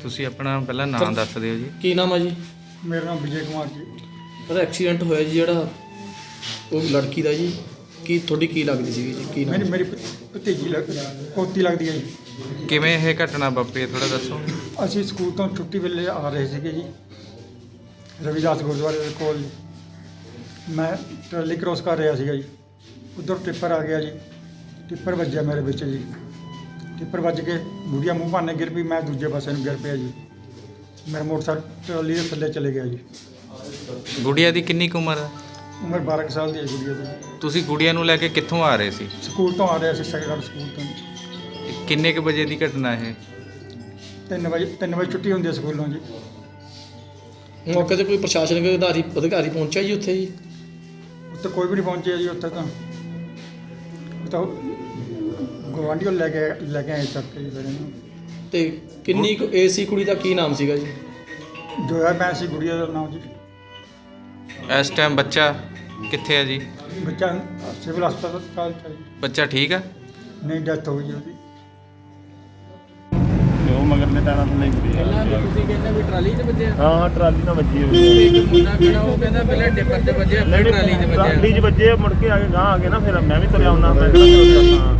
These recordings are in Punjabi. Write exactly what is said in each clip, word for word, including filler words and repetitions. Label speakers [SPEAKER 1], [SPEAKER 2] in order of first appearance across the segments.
[SPEAKER 1] ਤੁਸੀਂ ਆਪਣਾ ਪਹਿਲਾਂ ਨਾਮ ਦੱਸ ਦਿਓ ਜੀ।
[SPEAKER 2] ਕੀ ਨਾਮ ਹੈ ਜੀ?
[SPEAKER 3] ਮੇਰਾ ਨਾਮ ਵਿਜੇ ਕੁਮਾਰ ਜੀ।
[SPEAKER 2] ਉਹਦਾ ਐਕਸੀਡੈਂਟ ਹੋਇਆ ਜੀ ਜਿਹੜਾ ਉਹ ਲੜਕੀ ਦਾ ਜੀ, ਕੀ ਤੁਹਾਡੀ ਕੀ ਲੱਗਦੀ ਸੀਗੀ ਜੀ? ਕੀ
[SPEAKER 3] ਮੇਰੀ
[SPEAKER 2] ਨਾਮ?
[SPEAKER 3] ਮੇਰੀ ਭਤੀਜੀ ਲੱਗ ਪੋਤੀ ਲੱਗਦੀ ਹੈ ਜੀ।
[SPEAKER 1] ਕਿਵੇਂ ਇਹ ਘਟਨਾ ਵਾਪਰੀ ਥੋੜਾ ਦੱਸੋ।
[SPEAKER 3] ਅਸੀਂ ਸਕੂਲ ਤੋਂ ਛੁੱਟੀ ਵੇਲੇ ਆ ਰਹੇ ਸੀਗੇ ਜੀ, ਰਵਿਦਾਸ ਗੁਰਦੁਆਰੇ ਦੇ ਕੋਲ ਜੀ। ਮੈਂ ਟਰਾਲੀ ਕ੍ਰੋਸ ਕਰ ਰਿਹਾ ਸੀਗਾ ਜੀ, ਉੱਧਰ ਟਿੱਪਰ ਆ ਗਿਆ ਜੀ। ਟਿੱਪਰ ਵੱਜਿਆ ਮੇਰੇ ਵਿੱਚ ਜੀ। ਟਿੱਪਰ ਵੱਜ ਕੇ ਗੁੜੀਆ ਮੂੰਹ ਭਾਨੇ ਗਿਰ ਪਈ, ਮੈਂ ਦੂਜੇ ਪਾਸੇ ਨੂੰ ਗਿਰ ਪਿਆ ਜੀ। ਮੇਰਾ ਮੋਟਰਸਾਈਕਲ ਟਰਾਲੀ ਦੇ ਥੱਲੇ ਚਲੇ ਗਿਆ ਜੀ।
[SPEAKER 1] ਗੁੜੀਆ ਦੀ ਕਿੰਨੀ ਕੁ ਉਮਰ ਹੈ?
[SPEAKER 3] ਉਮਰ ਬਾਰਾਂ ਕੁ ਸਾਲ ਦੀ ਹੈ ਗੁੜੀਆ ਦੀ।
[SPEAKER 1] ਤੁਸੀਂ ਗੁੜੀਆ ਨੂੰ ਲੈ ਕੇ ਕਿੱਥੋਂ ਆ ਰਹੇ ਸੀ?
[SPEAKER 3] ਸਕੂਲ ਤੋਂ ਆ ਰਿਹਾ ਸੀ, ਸੈਕੰਡ ਸਕੂਲ ਤੋਂ।
[SPEAKER 1] ਕਿੰਨੇ ਕੁ ਵਜੇ ਦੀ ਘਟਨਾ ਇਹ?
[SPEAKER 3] ਤਿੰਨ ਵਜੇ ਤਿੰਨ ਵਜੇ ਛੁੱਟੀ ਹੁੰਦੀ ਹੈ ਸਕੂਲੋਂ ਜੀ।
[SPEAKER 2] ਮੌਕੇ ਤੇ ਕੋਈ ਪ੍ਰਸ਼ਾਸਨਿਕ ਅਧਿਕਾਰੀ ਅਧਿਕਾਰੀ ਪਹੁੰਚਿਆ ਜੀ ਉੱਥੇ ਜੀ?
[SPEAKER 3] ਉੱਥੇ ਕੋਈ ਵੀ ਨਹੀਂ ਪਹੁੰਚਿਆ ਜੀ। ਉੱਥੇ ਤਾਂ ਉਹ ਤਾਂ ਗੁਆਂਢੀਓ ਲੈ ਕੇ ਲੈ ਕੇ ਆਏ ਚੱਕ ਕੇ ਜੀ ਫਿਰ ਇਹਨੂੰ।
[SPEAKER 2] ਤੇ ਕਿੰਨੀ ਕੁ ਏਜ ਸੀ ਕੁੜੀ ਦਾ? ਕੀ ਨਾਮ ਸੀਗਾ ਜੀ?
[SPEAKER 3] ਜੋਇਆ ਬੈਂਸ ਸੀ ਗੁੜੀਆ ਦਾ ਨਾਮ ਜੀ।
[SPEAKER 1] ਇਸ ਟਾਈਮ ਬੱਚਾ ਕਿੱਥੇ ਹੈ ਜੀ?
[SPEAKER 3] ਬੱਚਾ ਸਿਵਲ ਹਸਪਤਾਲ ਚ ਹੈ ਜੀ।
[SPEAKER 1] ਬੱਚਾ ਠੀਕ ਹੈ?
[SPEAKER 3] ਨਹੀਂ, ਡੈਥ ਹੋ ਗਈ ਜੀ ਉਹਦੀ।
[SPEAKER 4] ਉਹ ਮਗਰ ਨੇ ਟਾਣਾ ਤੋਂ ਨਹੀਂ ਪਈ।
[SPEAKER 5] ਪਹਿਲਾਂ ਵੀ ਤੁਸੀਂ ਕਹਿੰਦੇ ਵੀ ਟਰਾਲੀ 'ਚ ਵੱਜਿਆ?
[SPEAKER 4] ਹਾਂ ਹਾਂ ਟਰਾਲੀ ਨਾਲ ਵੱਜੀ ਹੋਈ
[SPEAKER 5] ਇੱਕ ਮੁੰਡਾ ਖੜਾ ਉਹ ਕਹਿੰਦਾ ਪਹਿਲਾਂ ਡਿੱਪਰ 'ਤੇ ਵੱਜਿਆ ਫਿਰ ਟਰਾਲੀ 'ਚ ਵੱਜਿਆ।
[SPEAKER 4] ਟਰਾਲੀ 'ਚ ਵੱਜੇ, ਮੁੜ ਕੇ ਆ ਕੇ ਗਾਂ ਆ ਕੇ ਨਾ ਫਿਰ ਮੈਂ ਵੀ ਤੁਰਿਆ ਆਉਣਾ। ਮੈਂ ਕਿਹੜਾ ਹਾਂ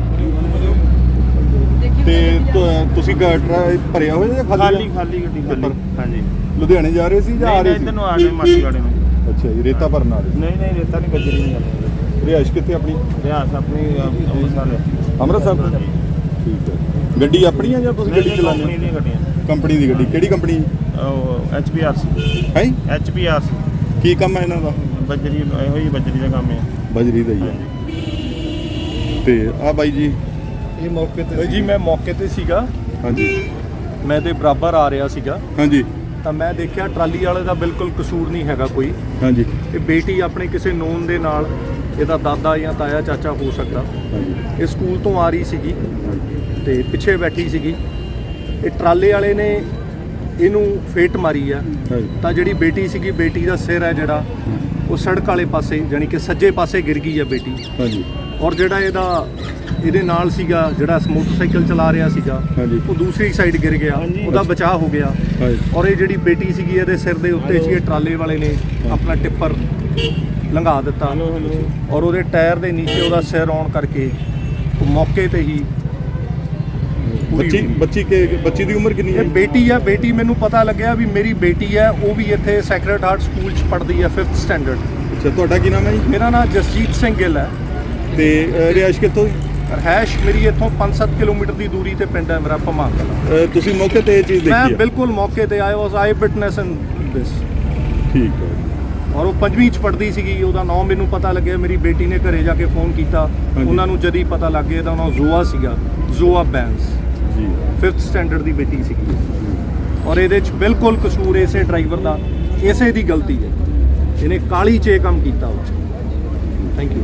[SPEAKER 6] ਤੇ ਤੁ- ਤੁਸੀਂ ਗਾ- ਟਰਾ- ਭਰਿਆ ਹੋਇਆ ਜਾਂ
[SPEAKER 4] ਖਾਲੀ ਖਾਲੀ ਗੱਡੀ ਖਾਲੀ। ਹਾਂਜੀ
[SPEAKER 6] ਲੁਧਿਆਣੇ ਜਾ ਰਹੇ ਸੀ ਜਾਂ ਆ
[SPEAKER 4] ਨਹੀਂ
[SPEAKER 6] ਰਹੇ
[SPEAKER 4] ਨਹੀਂ
[SPEAKER 6] ਸੀ?
[SPEAKER 4] ਇੱਧਰ ਨੂੰ ਆ ਗਏ ਮਾਸੀ ਵਾਲੇ ਨੂੰ।
[SPEAKER 6] ਅੱਛਾ ਜੀ, ਰੇਤਾ ਭਰਨ ਆ ਰਹੇ
[SPEAKER 4] ਨਹੀਂ ਨਹੀਂ ਰੇਤਾ ਨਹੀਂ ਬੱਜਰੀ ਨਹੀਂ ਜਾਂਦੀ।
[SPEAKER 6] ਸੀ। ਰਿਹਾਇਸ਼ ਕਿੱਥੇ ਆਪਣੀ?
[SPEAKER 4] ਰਿਆਸ ਆਪਣੀ ਅੰਮ੍ਰਿਤਸਰ।
[SPEAKER 6] ਅੰਮ੍ਰਿਤਸਰ ਤੋਂ? ਠੀਕ ਹੈ। ਗੱਡੀ ਆਪਣੀ ਆ ਜਾਂ ਤੁਸੀਂ ਗੱਡੀ ਚਲਾਉਂਦੇ
[SPEAKER 4] ਕੰਪਨੀ
[SPEAKER 6] ਹੋ?
[SPEAKER 4] ਦੀਆਂ ਗੱਡੀਆਂ।
[SPEAKER 6] ਕੰਪਨੀ ਦੀ ਗੱਡੀ? ਕਿਹੜੀ ਕੰਪਨੀ
[SPEAKER 4] ਉਹ ਐਚ ਪੀ ਆਰ ਸੀ।
[SPEAKER 6] ਹੈ?
[SPEAKER 4] H P R C.
[SPEAKER 6] ਕੀ ਕੰਮ ਹੈ ਇਹਨਾਂ ਦਾ?
[SPEAKER 4] ਬੱਜਰੀ ਇਹੋ ਹੀ ਬੱਜਰੀ ਦਾ ਕੰਮ ਹੈ।
[SPEAKER 6] ਬਜਰੀ ਦਾ ਹੀ ਹੈ। ਤੇ ਆ ਬਾਈ ਜੀ?
[SPEAKER 7] ਇਹ ਮੌਕੇ ਤੇ ਜੀ ਮੈਂ ਮੌਕੇ ਤੇ ਸੀਗਾ।
[SPEAKER 6] ਹਾਂਜੀ
[SPEAKER 7] ਮੈਂ ਤੇ ਬਰਾਬਰ ਆ ਰਿਹਾ ਸੀਗਾ
[SPEAKER 6] ਹਾਂਜੀ
[SPEAKER 7] ਤਾਂ ਮੈਂ ਦੇਖਿਆ ਟਰਾਲੀ ਵਾਲੇ ਦਾ ਬਿਲਕੁਲ ਕਸੂਰ ਨਹੀਂ ਹੈਗਾ ਕੋਈ।
[SPEAKER 6] ਹਾਂਜੀ
[SPEAKER 7] ਇਹ ਬੇਟੀ ਆਪਣੇ ਕਿਸੇ ਨੋਨ ਦੇ ਨਾਲ, ਇਹਦਾ ਦਾਦਾ ਜਾਂ ਤਾਇਆ ਚਾਚਾ ਹੋ ਸਕਦਾ,
[SPEAKER 6] ਹਾਂਜੀ
[SPEAKER 7] ਇਹ ਸਕੂਲ ਤੋਂ ਆ ਰਹੀ ਸੀਗੀ
[SPEAKER 6] ਹਾਂਜੀ
[SPEAKER 7] ਤੇ ਪਿੱਛੇ ਬੈਠੀ ਸੀਗੀ। ਇਹ ਟਰਾਲੇ ਵਾਲੇ ਨੇ ਇਹਨੂੰ ਫੇਟ ਮਾਰੀ ਆ
[SPEAKER 6] ਹਾਂਜੀ
[SPEAKER 7] ਤਾਂ ਜਿਹੜੀ ਬੇਟੀ ਸੀਗੀ, ਬੇਟੀ ਦਾ ਸਿਰ ਹੈ ਜਿਹੜਾ ਉਹ ਸੜਕ ਵਾਲੇ ਪਾਸੇ ਯਾਨੀ ਕਿ ਸੱਜੇ ਪਾਸੇ ਗਿਰ ਗਈ ਆ ਬੇਟੀ।
[SPEAKER 6] ਹਾਂਜੀ
[SPEAKER 7] ਔਰ ਜਿਹੜਾ ਇਹਦਾ ਇਹਦੇ ਨਾਲ ਸੀਗਾ ਜਿਹੜਾ ਮੋਟਰਸਾਈਕਲ ਚਲਾ ਰਿਹਾ ਸੀਗਾ,
[SPEAKER 6] ਹਾਂਜੀ
[SPEAKER 7] ਉਹ ਦੂਸਰੀ ਸਾਈਡ ਗਿਰ ਗਿਆ, ਉਹਦਾ ਬਚਾਅ ਹੋ ਗਿਆ।
[SPEAKER 6] ਹਾਂਜੀ
[SPEAKER 7] ਔਰ ਇਹ ਜਿਹੜੀ ਬੇਟੀ ਸੀਗੀ ਇਹਦੇ ਸਿਰ ਦੇ ਉੱਤੇ ਸੀ, ਇਹ ਟਰਾਲੇ ਵਾਲੇ ਨੇ ਆਪਣਾ ਟਿੱਪਰ ਲੰਘਾ ਦਿੱਤਾ ਔਰ ਉਹਦੇ ਟਾਇਰ ਦੇ ਨੀਚੇ ਉਹਦਾ ਸਿਰ ਆਉਣ ਕਰਕੇ ਉਹ ਮੌਕੇ ਤੇ ਹੀ ਪੂਰੀ
[SPEAKER 6] ਬੱਚੀ
[SPEAKER 7] ਹੋ ਗਈ।
[SPEAKER 6] ਬੱਚੀ ਕੇ ਬੱਚੀ ਦੀ ਉਮਰ ਕਿੰਨੀ ਹੈ?
[SPEAKER 7] ਇਹ ਬੇਟੀ ਆ। ਬੇਟੀ ਮੈਨੂੰ ਪਤਾ ਲੱਗਿਆ ਵੀ ਮੇਰੀ ਬੇਟੀ ਹੈ, ਉਹ ਵੀ ਇੱਥੇ ਸੈਕਰਡ ਹਾਰਟ ਸਕੂਲ 'ਚ ਪੜ੍ਹਦੀ ਹੈ, ਫਿਫਥ ਸਟੈਂਡਰਡ।
[SPEAKER 6] ਅੱਛਾ, ਤੁਹਾਡਾ ਕੀ ਨਾਮ ਹੈ ਜੀ?
[SPEAKER 7] ਮੇਰਾ ਨਾਮ ਜਸਜੀਤ ਸਿੰਘ ਗਿੱਲ ਹੈ
[SPEAKER 6] ਤੇ ਅ, ਰਿਹਾਇਸ਼ ਕਿੱਥੋਂ?
[SPEAKER 7] ਰਹਿਸ਼ ਮੇਰੀ ਇੱਥੋਂ ਪੰਜ ਸੱਤ ਕਿਲੋਮੀਟਰ ਦੀ ਦੂਰੀ ਤੇ ਪਿੰਡ ਹੈ ਮੇਰਾ ਭਮਾਂਗ ਕਲਾਂ।
[SPEAKER 6] ਅ, ਤੁਸੀਂ ਮੌਕੇ ਤੇ ਇਹ ਚੀਜ਼
[SPEAKER 7] ਮੈਂ
[SPEAKER 6] ਦੇਖੀ ਹੈ?
[SPEAKER 7] ਬਿਲਕੁਲ ਮੌਕੇ ਤੇ ਆਇਆ, ਵਾਸ ਆਈ ਵਿਟਨੈਸ ਇਨ ਦਿਸ।
[SPEAKER 6] ਠੀਕ ਹੈ।
[SPEAKER 7] ਔਰ ਉਹ ਪੰਜਵੀਂ ਚ ਪੜ੍ਹਦੀ ਸੀਗੀ। ਉਹਦਾ ਨਾਮ ਮੈਨੂੰ ਪਤਾ ਲੱਗਿਆ, ਮੇਰੀ ਬੇਟੀ ਨੇ ਘਰੇ ਜਾ ਕੇ ਫੋਨ ਕੀਤਾ,
[SPEAKER 6] ਹਾਂਜੀ।
[SPEAKER 7] ਉਹਨਾਂ ਨੂੰ ਜਦ ਹੀ ਪਤਾ ਲੱਗ ਗਿਆ ਤਾਂ ਉਹਨਾਂ ਜ਼ੋਆ ਸੀਗਾ, ਜ਼ੋਆ ਬੈਂਸ,
[SPEAKER 6] ਜੀ
[SPEAKER 7] ਫਿਫਥ ਸਟੈਂਡਰਡ ਦੀ ਬੇਟੀ ਸੀਗੀ। ਔਰ ਇਹਦੇ ਚ ਬਿਲਕੁਲ ਕਸੂਰ ਇਸੇ ਡਰਾਈਵਰ ਦਾ, ਇਸੇ ਦੀ ਗਲਤੀ ਹੈ। ਇਹਨੇ ਕਾਲੀ 'ਚ ਇਹ ਕੰਮ ਕੀਤਾ ਉਹ 'ਚ। Thank you.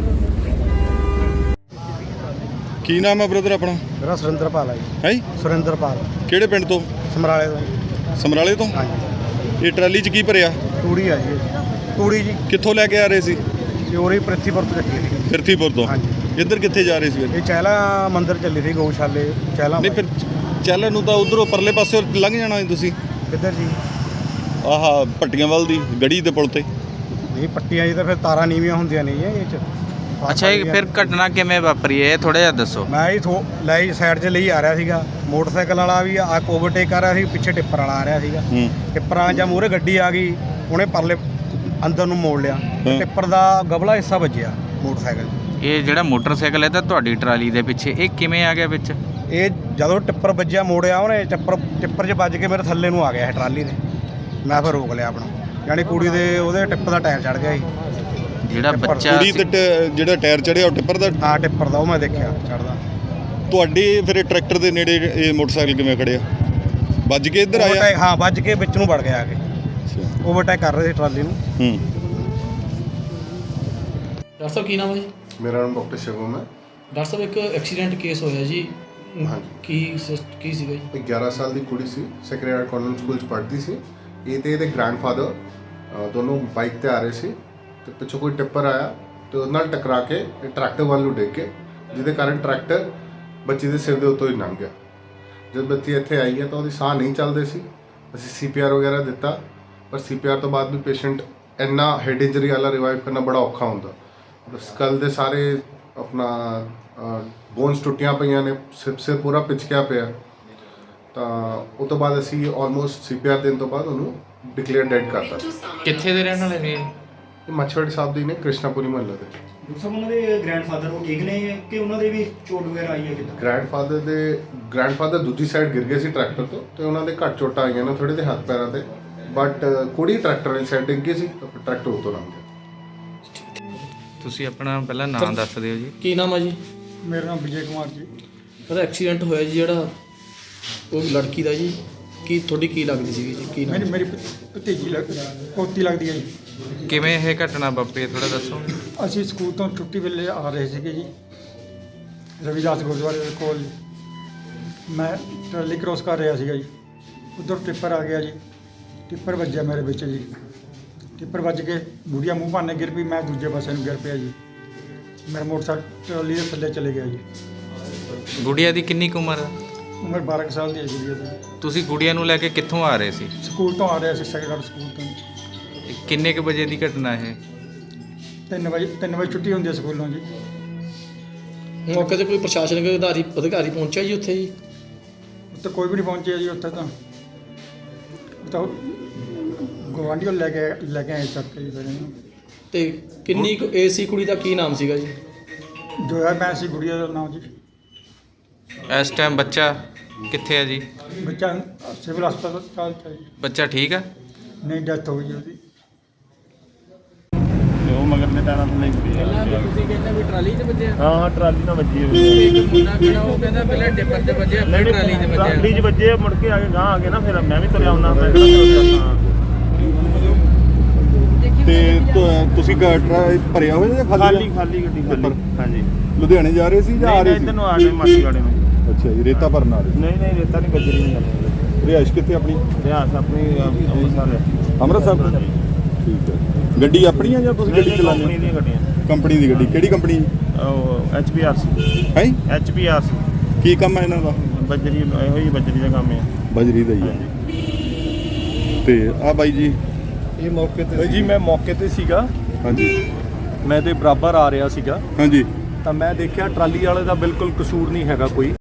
[SPEAKER 6] ਕੀ ਨਾਮ ਹੈ ਬ੍ਰਦਰ ਆਪਣਾ?
[SPEAKER 3] ਮੇਰਾ ਸੁਰਿੰਦਰਪਾਲ ਹੈ ਜੀ।
[SPEAKER 6] ਹੈ
[SPEAKER 3] ਸੁਰਿੰਦਰਪਾਲ,
[SPEAKER 6] ਕਿਹੜੇ ਪਿੰਡ ਤੋਂ?
[SPEAKER 3] ਸਮਰਾਲੇ ਤੋਂ।
[SPEAKER 6] ਸਮਰਾਲੇ ਤੋਂ?
[SPEAKER 3] ਹਾਂਜੀ,
[SPEAKER 6] ਇਹ ਟਰਾਲੀ 'ਚ ਕੀ ਭਰਿਆ?
[SPEAKER 3] ਤੂੜੀ ਆ ਜੀ ਇਹ। ਤੂੜੀ ਜੀ
[SPEAKER 6] ਕਿੱਥੋਂ ਲੈ ਕੇ ਆ ਰਹੇ ਸੀ?
[SPEAKER 3] ਚੋਰੀ ਪ੍ਰਿਥੀਪੁਰ ਤੋਂ ਚੱਕੀ ਸੀ।
[SPEAKER 6] ਫਿਰਥੀਪੁਰ ਤੋਂ?
[SPEAKER 3] ਹਾਂਜੀ।
[SPEAKER 6] ਇੱਧਰ ਕਿੱਥੇ ਜਾ ਰਹੇ ਸੀ ਫਿਰ?
[SPEAKER 3] ਇਹ ਚਹਿਲਾ ਮੰਦਿਰ ਚੱਲੀ ਸੀ, ਗਊਸ਼ਾਲੇ ਚਹਿਲਾ।
[SPEAKER 6] ਨਹੀਂ ਫਿਰ ਚੱਲਣ ਨੂੰ ਤਾਂ ਉਧਰੋਂ ਪਰਲੇ ਪਾਸੇ ਲੰਘ ਜਾਣਾ ਸੀ ਤੁਸੀਂ।
[SPEAKER 3] ਕਿੱਧਰ ਜੀ?
[SPEAKER 6] ਆਹ ਭੱਟੀਆਂ ਵੱਲ ਦੀ ਗੜੀ ਦੇ ਪੁਲ ਤੇ।
[SPEAKER 3] ਨਹੀਂ, ਪੱਟੀਆਂ ਜੀ ਤਾਂ ਫਿਰ ਤਾਰਾਂ ਨੀਵੀਆਂ ਹੁੰਦੀਆਂ ਨਹੀਂ ਇਹ 'ਚ।
[SPEAKER 1] ਅੱਛਾ, ਇਹ ਫਿਰ ਘਟਨਾ ਕਿਵੇਂ ਵਾਪਰੀ ਹੈ ਇਹ ਥੋੜਾ ਜਿਹਾ ਦੱਸੋ।
[SPEAKER 3] ਮੈਂ ਹੀ ਥੋ ਲੈ ਸਾਈਡ 'ਚ ਲਈ ਆ ਰਿਹਾ ਸੀਗਾ। ਮੋਟਰਸਾਈਕਲ ਵਾਲਾ ਵੀ ਆ ਓਵਰਟੇਕ ਕਰ ਰਿਹਾ ਸੀ, ਪਿੱਛੇ ਟਿੱਪਰ ਵਾਲਾ ਆ ਰਿਹਾ ਸੀਗਾ।
[SPEAKER 6] ਹੂੰ
[SPEAKER 3] ਟਿੱਪਰਾਂ ਜਾਂ ਮੂਹਰੇ ਗੱਡੀ ਆ ਗਈ, ਉਹਨੇ ਪਰਲੇ ਅੰਦਰ ਨੂੰ ਮੋੜ ਲਿਆ। ਟਿੱਪਰ ਦਾ ਗਬਲਾ ਹਿੱਸਾ ਵੱਜਿਆ ਮੋਟਰਸਾਈਕਲ 'ਚ।
[SPEAKER 1] ਇਹ ਜਿਹੜਾ ਮੋਟਰਸਾਈਕਲ ਹੈ ਤਾਂ ਤੁਹਾਡੀ ਟਰਾਲੀ ਦੇ ਪਿੱਛੇ, ਇਹ ਕਿਵੇਂ ਆ ਗਿਆ ਵਿੱਚ?
[SPEAKER 3] ਇਹ ਜਦੋਂ ਟਿੱਪਰ ਵੱਜਿਆ, ਮੋੜਿਆ ਉਹਨੇ, ਟਿੱਪਰ ਟਿੱਪਰ 'ਚ ਵੱਜ ਕੇ ਮੇਰੇ ਥੱਲੇ ਨੂੰ ਆ ਗਿਆ ਇਹ ਟਰਾਲੀ ਦੇ। ਮੈਂ ਫਿਰ ਰੋਕ ਲਿਆ ਆਪਣਾ, ਯਾਨੀ ਕੁੜੀ ਦੇ ਉਹਦੇ ਟਿੱਪ ਦਾ ਟਾਇਰ ਚੜ ਗਿਆ ਸੀ।
[SPEAKER 1] ਜਿਹੜਾ
[SPEAKER 3] ਟਿੱਪਰ
[SPEAKER 1] ਬੱਚਾ
[SPEAKER 6] ਕੁੜੀ ਤੇ ਟ- ਜਿਹੜਾ ਟਾਇਰ ਚੜਿਆ ਉਹ ਟਿੱਪਰ ਦਾ?
[SPEAKER 3] ਹਾਂ, ਟਿੱਪਰ ਦਾ, ਉਹ ਮੈਂ ਦੇਖਿਆ ਚੜਦਾ।
[SPEAKER 6] ਤੁਹਾਡੇ ਫਿਰ ਇਹ ਟਰੈਕਟਰ ਦੇ ਨੇੜੇ ਇਹ ਮੋਟਰਸਾਈਕਲ ਕਿਵੇਂ ਖੜਿਆ? ਵੱਜ ਕੇ ਇੱਧਰ ਆਇਆ?
[SPEAKER 3] ਓਵਰਟੇਕ, ਹਾਂ, ਵੱਜ ਕੇ ਵਿੱਚ ਨੂੰ ਵੜ ਗਿਆ ਆ ਕੇ।
[SPEAKER 6] ਅੱਛਾ।
[SPEAKER 3] ਓਵਰਟੇਕ ਕਰ ਰਹੇ ਸੀ ਟਰਾਲੀ ਨੂੰ।
[SPEAKER 6] ਹੂੰ
[SPEAKER 2] ਡਾਕਟਰ ਸਾਹਿਬ ਕੀ ਨਾਮ ਹੈ ਜੀ?
[SPEAKER 8] ਮੇਰਾ ਨਾਮ ਡਾਕਟਰ ਸ਼ਿਵਮ ਹੈ।
[SPEAKER 2] ਡਾਕਟਰ ਸਾਹਿਬ ਇੱਕ ਐਕਸੀਡੈਂਟ ਕੇਸ ਹੋਇਆ ਜੀ,
[SPEAKER 8] ਹਾਂਜੀ।
[SPEAKER 2] ਕੀ ਸਿਸ- ਕੀ ਸੀਗਾ ਜੀ?
[SPEAKER 8] ਇੱਕ ਗਿਆਰਾਂ ਸਾਲ ਦੀ ਕੁੜੀ ਸੀ, ਸੈਕਰਡ ਹਾਰਟ ਕਾਨਵੈਂਟ ਸਕੂਲ 'ਚ ਪੜ੍ਹਦੀ ਸੀ। ਇਹ ਤੇ ਇਹਦੇ ਗ੍ਰੈਂਡਫਾਦਰ ਦੋਨੋਂ ਬਾਈਕ ਤੇ ਆ ਰਹੇ ਸੀ ਤੇ ਪਿੱਛੋਂ ਕੋਈ ਟਿੱਪਰ ਆਇਆ ਤੇ ਉਹਦੇ ਨਾਲ ਟਕਰਾ ਕੇ ਇਹ ਟਰੈਕਟਰ ਵੱਲ ਨੂੰ ਡਿੱਗ ਕੇ, ਜਿਹਦੇ ਕਾਰਨ ਟਰੈਕਟਰ ਬੱਚੀ ਦੇ ਸਿਰ ਦੇ ਉੱਤੋਂ ਹੀ ਲੰਘ ਗਿਆ। ਜਦ ਬੱਚੀ ਇੱਥੇ ਆਈ ਹੈ ਤਾਂ ਉਹਦੀ ਸਾਹ ਨਹੀਂ ਚੱਲਦੇ ਸੀ। ਅਸੀਂ ਸੀ ਪੀ ਆਰ ਵਗੈਰਾ ਦਿੱਤਾ, ਪਰ ਸੀ ਪੀ ਆਰ ਤੋਂ ਬਾਅਦ ਵੀ ਪੇਸ਼ੈਂਟ ਇੰਨਾ ਹੈਡ ਇੰਜਰੀ ਵਾਲਾ ਰਿਵਾਈਵ ਕਰਨਾ ਬੜਾ ਔਖਾ ਹੁੰਦਾ। ਸਕਲ ਦੇ ਸਾਰੇ ਆਪਣਾ ਬੋਨਸ ਟੁੱਟੀਆਂ ਪਈਆਂ ਨੇ, ਸਿਰ ਸਿਰ ਪੂਰਾ ਪਿਚਕਿਆ ਪਿਆ। ਤਾਂ ਉਹ ਤੋਂ ਬਾਅਦ ਅਸੀਂ ਆਲਮੋਸਟ ਸੀ ਪੀ ਆਰ ਦੇਣ ਤੋਂ ਬਾਅਦ ਉਹਨੂੰ ਡਿਕਲੇਅਰ ਡੈਡ ਕਰਤਾ।
[SPEAKER 1] ਕਿੱਥੇ ਦੇ ਰਹਿਣ ਵਾਲੇ ਨੇ?
[SPEAKER 8] ਇਹ ਮੱਛਵਾੜੀ ਸਾਹਿਬ ਦੀ ਨੇ, ਕ੍ਰਿਸ਼ਨਾਪੁਰੀ ਮੁਹੱਲੇ ਦੇ।
[SPEAKER 9] ਡਾਕਟਰ ਸਾਹਿਬ ਉਹਨਾਂ ਦੇ ਗ੍ਰੈਂਡਫਾਦਰ ਉਹ ਠੀਕ ਨੇ ਕਿ ਉਹਨਾਂ ਦੇ ਵੀ ਚੋਟ ਵਗੈਰਾ ਆਈ ਹੈ ਕਿੱਦਾਂ?
[SPEAKER 8] ਗ੍ਰੈਂਡਫਾਦਰ ਦੇ ਗ੍ਰੈਂਡਫਾਦਰ ਦੂਜੀ ਸਾਈਡ ਗਿਰ ਗਏ ਸੀ ਟਰੈਕਟਰ ਤੋਂ, ਤੇ ਉਹਨਾਂ ਦੇ ਘੱਟ ਚੋਟਾਂ ਆਈਆਂ ਨੇ ਥੋੜੇ ਦੇ ਹੱਥ ਪੈਰਾਂ ਤੇ, ਬਟ ਕੁੜੀ ਟਰੈਕਟਰ ਵਾਲੀ ਸਾਈਡ ਡਿੱਗ ਗਈ ਸੀ ਤਾਂ ਫਿਰ ਟਰੈਕਟਰ ਉੱਤੋਂ ਲੰਘ ਗਿਆ।
[SPEAKER 1] ਤੁਸੀਂ ਆਪਣਾ ਪਹਿਲਾਂ ਨਾਮ ਦੱਸ ਦਿਓ ਜੀ।
[SPEAKER 2] ਕੀ ਨਾਮ ਆ ਜੀ?
[SPEAKER 3] ਮੇਰਾ ਨਾਮ ਵਿਜੇ ਕੁਮਾਰ ਜੀ।
[SPEAKER 2] ਉਹਦਾ ਐਕਸੀਡੈਂਟ ਹੋਇਆ ਜੀ ਜਿਹੜਾ, ਉਹ ਲੜਕੀ ਦਾ ਜੀ, ਕੀ ਤੁਹਾਡੀ ਕੀ ਲੱਗਦੀ ਸੀਗੀ ਜੀ? ਕੀ
[SPEAKER 3] ਮੇਰੀ
[SPEAKER 2] ਨਾਮ?
[SPEAKER 3] ਮੇਰੀ ਭਤੀਜੀ ਲੱਗ ਪੋਤੀ ਲੱਗਦੀ ਹੈ ਜੀ।
[SPEAKER 1] ਕਿਵੇਂ ਇਹ ਘਟਨਾ ਵਾਪਰੀ ਥੋੜਾ ਦੱਸੋ।
[SPEAKER 3] ਅਸੀਂ ਸਕੂਲ ਤੋਂ ਛੁੱਟੀ ਵੇਲੇ ਆ ਰਹੇ ਸੀਗੇ ਜੀ, ਰਵਿਦਾਸ ਗੁਰਦੁਆਰੇ ਦੇ ਕੋਲ। ਮੈਂ ਟਰਾਲੀ ਕ੍ਰੋਸ ਕਰ ਰਿਹਾ ਸੀਗਾ ਜੀ, ਉੱਧਰ ਟਿੱਪਰ ਆ ਗਿਆ ਜੀ। ਟਿੱਪਰ ਵੱਜਿਆ ਮੇਰੇ ਵਿੱਚ ਜੀ। ਟਿੱਪਰ ਵੱਜ ਕੇ ਬੁੜੀਆ ਮੂੰਹ ਭਾਨੇ ਗਿਰ ਪਈ, ਮੈਂ ਦੂਜੇ ਪਾਸੇ ਨੂੰ ਗਿਰ ਪਿਆ ਜੀ। ਮੇਰਾ ਮੋਟਰਸਾਈਕਲ ਟਰਾਲੀ ਦੇ ਥੱਲੇ ਚਲੇ ਗਿਆ ਜੀ।
[SPEAKER 1] ਗੁੜੀਆ ਦੀ ਕਿੰਨੀ ਕੁ ਉਮਰ ਆ?
[SPEAKER 3] ਉਮਰ ਬਾਰਾਂ ਕੁ ਸਾਲ ਦੀ ਹੈ ਗੁੜੀਆ ਦੀ।
[SPEAKER 1] ਤੁਸੀਂ ਗੁੜੀਆ ਨੂੰ ਲੈ ਕੇ ਕਿੱਥੋਂ ਆ ਰਹੇ ਸੀ?
[SPEAKER 3] ਸਕੂਲ ਤੋਂ ਆ ਰਿਹਾ ਸੀ, ਸੈਕੰਡਰੀ ਸਕੂਲ ਤੋਂ।
[SPEAKER 1] ਇਹ ਕਿੰਨੇ ਕੁ ਵਜੇ ਦੀ ਘਟਨਾ ਇਹ?
[SPEAKER 3] ਤਿੰਨ ਵਜੇ ਤਿੰਨ ਵਜੇ ਛੁੱਟੀ ਹੁੰਦੀ ਹੈ ਸਕੂਲੋਂ ਜੀ।
[SPEAKER 2] ਮੌਕੇ ਤੇ ਕੋਈ ਪ੍ਰਸ਼ਾਸਨਿਕ ਅਧਿਕਾਰੀ ਅਧਿਕਾਰੀ ਪਹੁੰਚਿਆ ਜੀ ਉੱਥੇ ਜੀ?
[SPEAKER 3] ਉੱਥੇ ਕੋਈ ਵੀ ਨਹੀਂ ਪਹੁੰਚਿਆ ਜੀ। ਉੱਥੇ ਤਾਂ ਉਹ ਤਾਂ ਗੁਆਂਢੀਓ ਲੈ ਕੇ ਲੈ ਕੇ ਆਏ ਚੱਕ ਕੇ ਜੀ ਫਿਰ ਇਹਨੂੰ।
[SPEAKER 2] ਤੇ ਕਿੰਨੀ ਕੁ ਏਜ ਸੀ ਕੁੜੀ ਦਾ? ਕੀ ਨਾਮ ਸੀਗਾ ਜੀ?
[SPEAKER 3] ਜੋ ਹੈ ਮੈਂ ਸੀ ਗੁੜੀਆ ਦਾ ਨਾਮ ਜੀ।
[SPEAKER 1] ਇਸ ਟਾਈਮ ਬੱਚਾ ਕਿੱਥੇ ਹੈ ਜੀ?
[SPEAKER 3] ਬੱਚਾ ਸਿਵਲ ਹਸਪਤਾਲ ਚ ਹੈ ਜੀ।
[SPEAKER 1] ਬੱਚਾ ਠੀਕ ਆ?
[SPEAKER 3] ਨਹੀਂ, ਡੈਥ ਹੋ ਗਈ ਉਹਦੀ।
[SPEAKER 4] ਤੇ ਉਹ ਮਗਰ ਦੇ ਟਾਇਰਾਂ ਥੱਲੇ ਹੀ
[SPEAKER 5] ਪਹਿਲਾਂ ਵੀ ਤੁਸੀਂ ਕਹਿੰਦੇ ਵੀ ਟਰਾਲੀ 'ਚ ਵੱਜਿਆ?
[SPEAKER 4] ਹਾਂ ਹਾਂ ਟਰਾਲੀ ਨਾਲ ਵੱਜੀ ਹੋਈ
[SPEAKER 5] ਇੱਕ ਮੁੰਡਾ ਖੜਾ ਉਹ ਕਹਿੰਦਾ ਪਹਿਲਾਂ ਡਿੱਪਰ 'ਚ ਵੱਜਿਆ ਫਿਰ ਟਰਾਲੀ 'ਚ ਵੱਜਿਆ।
[SPEAKER 4] ਟਰਾਲੀ 'ਚ ਵੱਜੇ, ਮੁੜ ਕੇ ਆ ਕੇ ਗਾਂ ਆ ਕੇ ਨਾ ਫਿਰ ਮੈਂ ਵੀ ਤੁਰਿਆ ਹੁੰਦਾ। ਮੈਂ ਕਿਹੜਾ ਹਾਂ
[SPEAKER 6] ਤੇ ਤੁ- ਤੁਸੀਂ ਗਾਟਰਾ ਭਰਿਆ ਹੋਇਆ ਜਾਂ
[SPEAKER 4] ਖਾਲੀ
[SPEAKER 6] ਖਾਲੀ ਆ?
[SPEAKER 4] ਖਾਲੀ ਗੱਡੀ ਖਾਲੀ। ਹਾਂਜੀ
[SPEAKER 6] ਲੁਧਿਆਣੇ ਜਾ ਰਹੇ ਸੀ ਜਾਂ ਆ
[SPEAKER 4] ਨਹੀਂ
[SPEAKER 6] ਰਹੇ
[SPEAKER 4] ਨਹੀਂ
[SPEAKER 6] ਸੀ?
[SPEAKER 4] ਇੱਧਰ ਨੂੰ ਆ ਗਏ ਮਾਸੀ ਵਾਲੇ ਨੂੰ।
[SPEAKER 6] ਅੱਛਾ ਜੀ, ਰੇਤਾ ਭਰਨ ਆ ਰਹੇ
[SPEAKER 4] ਨਹੀਂ ਨਹੀਂ ਰੇਤਾ ਨਹੀਂ ਬੱਜਰੀ ਨਹੀਂ ਗੱਲ।
[SPEAKER 6] ਰਿਹਾਇਸ਼ ਕਿੱਥੇ ਆਪਣੀ?
[SPEAKER 4] ਰਿਆਸ ਆਪਣੀ ਅ, ਅੰਮ੍ਰਿਤਸਰ ਹੈ।
[SPEAKER 6] ਅੰਮ੍ਰਿਤਸਰ ਤੋਂ? ਠੀਕ ਹੈ। ਗੱਡੀ ਆਪਣੀ ਆ ਜਾਂ ਤੁਸੀਂ ਗੱਡੀ ਚਲਾਉਂਦੇ
[SPEAKER 4] ਕੰਪਨੀ
[SPEAKER 6] ਹੋ?
[SPEAKER 4] ਦੀਆਂ ਗੱਡੀਆਂ।
[SPEAKER 6] ਕੰਪਨੀ ਦੀ ਗੱਡੀ। ਕਿਹੜੀ ਕੰਪਨੀ
[SPEAKER 4] ਉਹ ਐਚ ਪੀ ਆਰ ਸੀ।
[SPEAKER 6] ਹੈ?
[SPEAKER 4] H P R C.
[SPEAKER 6] ਕੀ ਕੰਮ ਹੈ ਇਹਨਾਂ ਦਾ?
[SPEAKER 4] ਬੱਜਰੀ ਇਹੋ ਹੀ ਬੱਜਰੀ ਦਾ ਕੰਮ ਹੈ।
[SPEAKER 6] ਬਜਰੀ ਦਾ ਹੀ ਹੈ। ਤੇ ਆ ਬਾਈ ਜੀ?
[SPEAKER 7] ਇਹ ਮੌਕੇ ਤੇ ਜੀ ਮੈਂ ਮੌਕੇ ਤੇ ਸੀਗਾ,
[SPEAKER 6] ਹਾਂਜੀ
[SPEAKER 7] ਮੈਂ ਤੇ ਬਰਾਬਰ ਆ ਰਿਹਾ ਸੀਗਾ,
[SPEAKER 6] ਹਾਂਜੀ
[SPEAKER 7] ਤਾਂ ਮੈਂ ਦੇਖਿਆ ਟਰਾਲੀ ਵਾਲੇ ਦਾ ਬਿਲਕੁਲ ਕਸੂਰ ਨਹੀਂ ਹੈਗਾ ਕੋਈ।